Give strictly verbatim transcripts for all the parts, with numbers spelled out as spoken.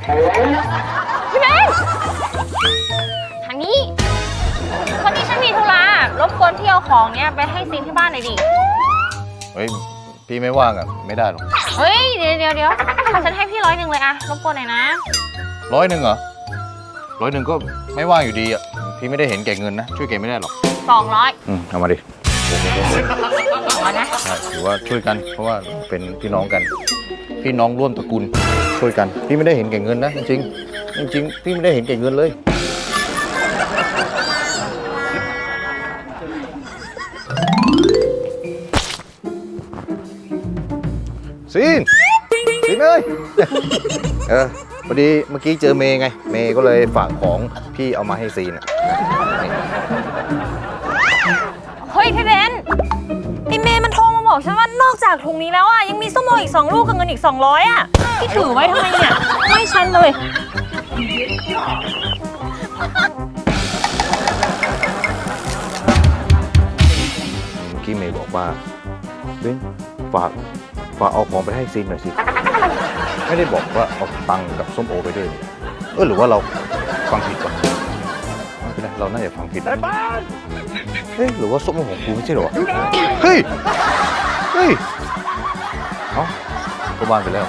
พี่เบนทางนี้วันนี้ฉันมีธุระรบกวนพี่เอาของเนี้ยไปให้ซีนที่บ้านหน่อยดิเฮ้ยพี่ไม่ว่างอ่ะไม่ได้หรอกเฮ้ยเดี๋ยวเดี๋ยวเดี๋ยวฉันให้พี่ร้อยหนึ่งเลยอะรบกวนหน่อยนะร้อยหนึ่งเหรอร้อยหนึ่งก็ไม่ว่างอยู่ดีอ่ะพี่ไม่ได้เห็นแก่เงินนะช่วยแกไม่ได้หรอกสองร้อยอืมเอามาดิสองร้อยนะใช่ถือว่าช่วยกันเพราะว่าเป็นพี่น้องกันพี่น้องร่วมตระกูลช่วยกันพี่ไม่ได้เห็นแก่เงินนะจริงๆจริงๆพี่ไม่ได้เห็นแก่เงินเลยซีนซีนเอ้ยเออพอดีเมื่อกี้เจอเมย์ไงเมย์ก็เลยฝากของพี่เอามาให้ซีนอ่ะเฮ้ยพี่เบนไอเมย์มันโทรมาบอกฉันว่านอกจากถุงนี้แล้วอ่ะยังมีส้มโออีกสองลูกกับเงินอีกสองร้อยอ่ะพี่ถือไว้ทำไมเนี่ยไม่ฉันเลยเมื่อกี้เมย์บอกว่าเบนฝากฝากเอาของไปให้ซีนหน่อยสิไม่ได้บอกว่าเอาตังค์กับส้มโอไปด้วยเออหรือว่าเราฟังผิดวะไม่เป็นไรเราน่าจะฟังผิดเฮ้ยหรือว่าส้มโอของกูไม่ใช่หรอเฮ้ยเฮ้ยเอ้าก็บ้านไปแล้ว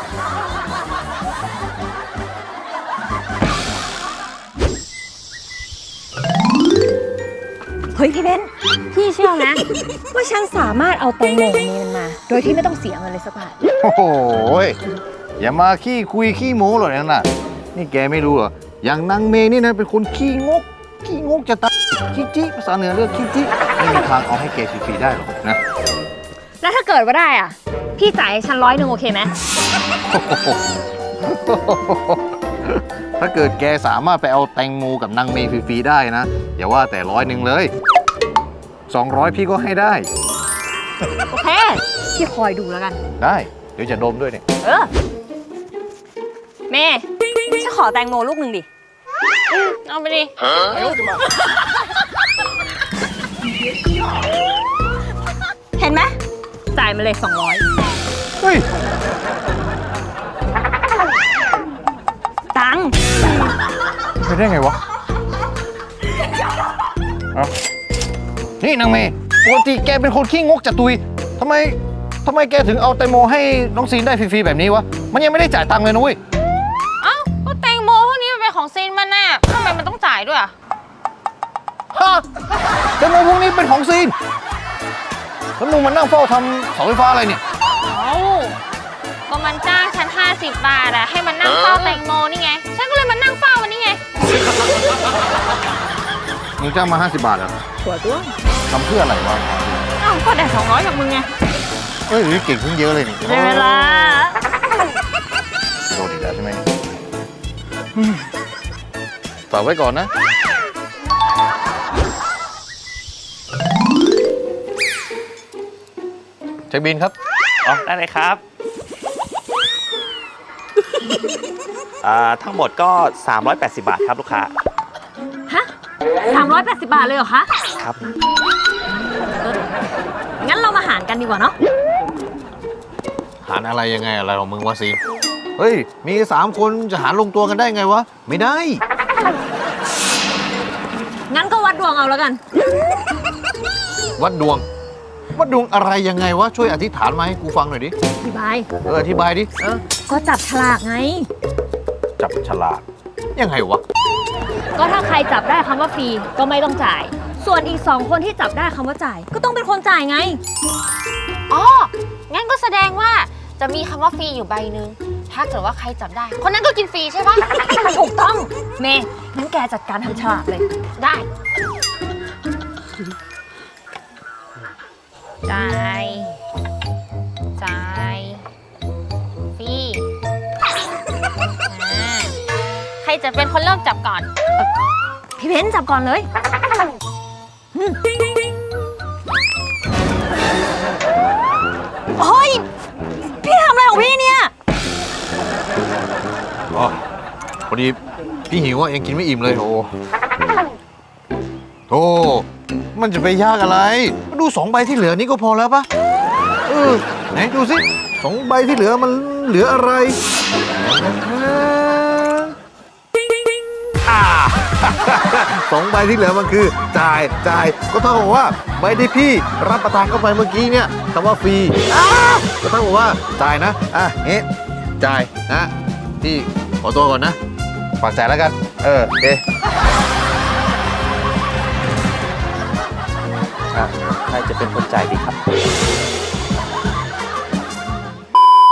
เฮ้ยพี่เบนพี่เชื่อนะว่าฉันสามารถเอาแตงโมนี้มันมาโดยที่ไม่ต้องเสียเงินเลยสักบาทโอ้โหอย่ามาขี้คุยขี้โม้หรอกนั่นน่ะนี่แกไม่รู้เหรออย่างนางเมย์นี่นะเป็นคนขี้งกขี้งกจะตายขี้จี้ภาษาเหนือเรียกขี้จี้ไม่มีทางเอาให้แกฟรีๆได้หรอกนะแล้วถ้าเกิดว่าได้อ่ะพี่จ่ายให้ฉันร้อยหนึ่งโอเคไหมถ้าเกิดแกสามารถไปเอาแตงโมกับนางเมย์ฟรีๆได้นะอย่าว่าแต่ร้อยหนึ่งเลยสองร้อยพี่ก็ให้ได้โอเคพี่คอยดูแล้วกันได้เดี๋ยวจะดมด้วยเนี่ยเออเมย์ฉันขอแตงโมลูกหนึ่งดิเอาไปดิเห็นไหมจ่ายมาเลยสองร้อยเฮ้ยตังค์ไปได้ไงวะเอานี่นางเมย์ปกติแกเป็นคนขี้งกจะตุยทำไมทำไมแกถึงเอาแตงโมให้น้องซีนได้ฟรีๆแบบนี้วะมันยังไม่ได้จ่ายตังค์เลยนะเว้ยเอ้าก็แตงโมพวกนี้มันเป็นของซีนมันน่ะทำไมมันต้องจ่ายด้วยอ่ะฮะแตงโมพวกนี้เป็นของซีนแล้วมึงมานั่งเฝ้าทำเสาไฟฟ้าอะไรเนี่ยเอ้าก็มันจ้างฉันห้าสิบบาทอะให้มันนั่งเฝ้าแตงโมนี่ไงฉันก็เลยมานั่งเฝ้ามันนี่ไงมึงจ้างมาห้าสิบบาทเหรอถั่วต้วทำเพื่ออะไรวะอ้าวก็ได้สองร้อยจากมึงไงเฮ้ยเก่งขึ้นเยอะเลยนี่ได้เวลาโดนอีกแล้วใช่ไหมฝากไว้ก่อนนะเช็คบินครับอ๋อได้เลยครับอ่าทั้งหมดก็สามร้อยแปดสิบบาทครับลูกค้าฮะสามร้อยแปดสิบบาทเลยเหรอคะครับงั้นเรามาหารกันดีกว่าเนาะหารอะไรยังไงอะไรของมึงวะซีเฮ้ยมีสามคนจะหารลงตัวกันได้ไงวะไม่ได้งั้นก็วัดดวงเอาแล้วกันวัดดวงวัดดวงอะไรยังไงวะช่วยอธิษฐานมาให้กูฟังหน่อยดิอธิบายเอออธิบายดิเออก็จับฉลากไงจับฉลากยังไงวะก็ถ้าใครจับได้คำว่าฟรีก็ไม่ต้องจ่ายส่วนอีกสองคนที่จับได้คำว่าจ่ายก็ต้องเป็นคนจ่ายไงอ๋องั้นก็แสดงว่าจะมีคำว่าฟรีอยู่ใบหนึ่งถ้าเกิดว่าใครจับได้คนนั้นก็กินฟรีใช่ปะถูกต้องเมย์งั้นแกจัดการทำฉลากเลยได้จ่ายจ่ายฟรีใครจะเป็นคนเริ่มจับก่อนพี่เบนจับก่อนเลยเฮ้ยพี่ทำอะไรของพี่เนี่ยอ๋อพอดีพี่หิวอ่ะยังกินไม่อิ่มเลยโธ่โธ่มันจะไปยากอะไรมาดูสองใบที่เหลือนี้ก็พอแล้วปะเออไหนดูสิสองใบที่เหลือมันเหลืออะไรสองใบที่เหลือมันคือจ่ายจ่ายก็เท่ากับว่าใบที่พี่รับประทานเข้าไปเมื่อกี้เนี่ยคำว่าฟรีอ้าวก็เท่ากับว่าจ่ายนะอ่ะงี้จ่ายนะพี่ขอตัวก่อนนะฝากจ่ายแล้วกันเออโอเคครับใครจะเป็นคนจ่ายดีครับ